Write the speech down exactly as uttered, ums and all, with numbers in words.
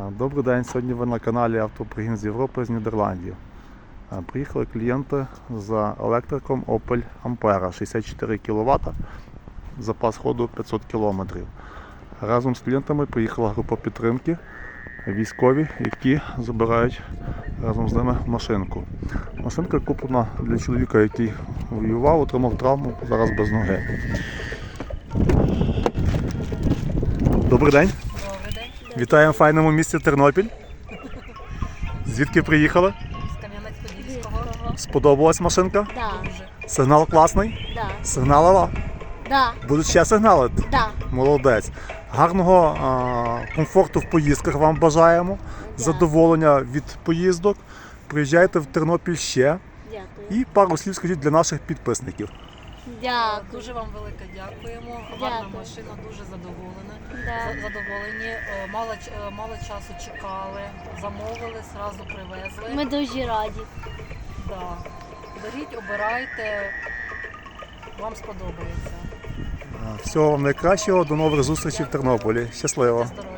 Добрий день, сьогодні ви на каналі Автопригін з Європи, з Нідерландів. Приїхали клієнти за електриком Opel Ampera, шістдесят чотири кіловата, запас ходу п'ятсот кілометрів. Разом з клієнтами приїхала група підтримки, військові, які забирають разом з ними машинку. Машинка куплена для чоловіка, який воював, отримав травму, зараз без ноги. Добрий день. Вітаємо в файному місті Тернопіль. Звідки приїхали? З Кам'янець-Подільського. Сподобалась машинка? Да. Сигнал класний? Да. Сигналила? Да. Будуть ще сигналити? Да. Молодець. Гарного а, комфорту в поїздках вам бажаємо. Задоволення від поїздок. Приїжджайте в Тернопіль ще. Дякую. І пару слів скажіть для наших підписників. Дякую. Дуже вам велике дякуємо. Дякую. Гарна машина, дуже задоволена. Да. За- Задоволені. Е, Мало, ч- е, мало часу чекали, замовили, зразу привезли. Ми дуже раді. Да. Беріть, обирайте, вам сподобається. Всього вам найкращого, до нових зустрічей в Тернополі. Щасливо! Здоров'я.